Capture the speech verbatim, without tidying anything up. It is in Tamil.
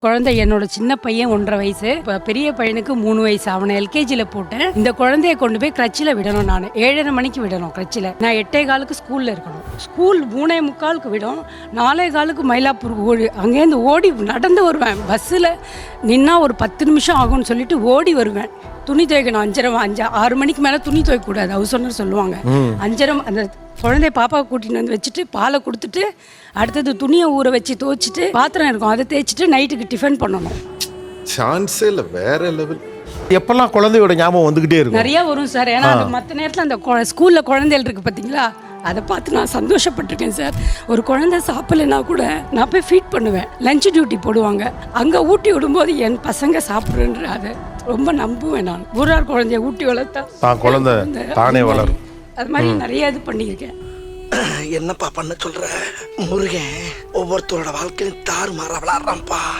குழந்தை என்னோட சின்ன பையன் ஒன்றரை வயசு, இப்போ பெரிய பையனுக்கு மூணு வயசு. அவனை எல்கேஜியில் போட்டேன். இந்த குழந்தைய கொண்டு போய் கிரச்சில் விடணும். நான் ஏழரை மணிக்கு விடணும் கிரச்சில். நான் எட்டே காலுக்கு ஸ்கூலில் இருக்கணும். ஸ்கூல் மூணே முக்காலுக்கு விடும். நாலே காலுக்கு மயிலாப்பூர் ஓடி அங்கேருந்து ஓடி நடந்து வருவேன். பஸ்ஸில் நின்னா ஒரு பத்து நிமிஷம் ஆகும்னு சொல்லிட்டு ஓடி வருவேன். துணி துவைக்கணும். அஞ்சரை அஞ்சு ஆறு மணிக்கு மேலே துணி துவைக்கக்கூடாது, ஹவுஸ் ஓனர் சொல்லுவாங்க. அஞ்சரை அந்த குழந்தைய பாப்பாவை கூட்டிகிட்டு வந்து வச்சுட்டு பாலை கொடுத்துட்டு அடுத்தது துணியை ஊற வச்சு துவைச்சிட்டு பாத்திரம் இருக்கும் அதை தேய்ச்சிட்டு நைட்டுக்கு டிஃபன் பண்ணணும். சான்ஸே இல்லை, வேற லெவல். எப்பெல்லாம் குழந்தையோட ஞாபகம் வந்துகிட்டே இருக்கும். நிறைய வரும் சார். ஏன்னா மற்ற நேரத்தில் அந்த ஸ்கூலில் குழந்தைகள் இருக்குது பார்த்தீங்களா, அதை பார்த்து நான் சந்தோஷப்பட்டிருக்கேன் சார். ஒரு குழந்தை சாப்பிடலைன்னா கூட நான் போய் ஃபீட் பண்ணுவேன். லஞ்ச் டியூட்டி போடுவாங்க, அங்கே ஊட்டி விடும்போது என் பசங்க சாப்பிட்றேன்ற அதை ரொம்ப நம்புவேன். நான் ஊரார் குழந்தைய ஊட்டி வளர்த்தா தான் குழந்தை தானே வளரும். அது மாதிரி நிறைய இது பண்ணியிருக்கேன். என்னப்பா பண்ண சொல்ற? முருகன் ஒவ்வொருத்தரோட வாழ்க்கையும் தாறு மாற விளாடுறான்ப்பா.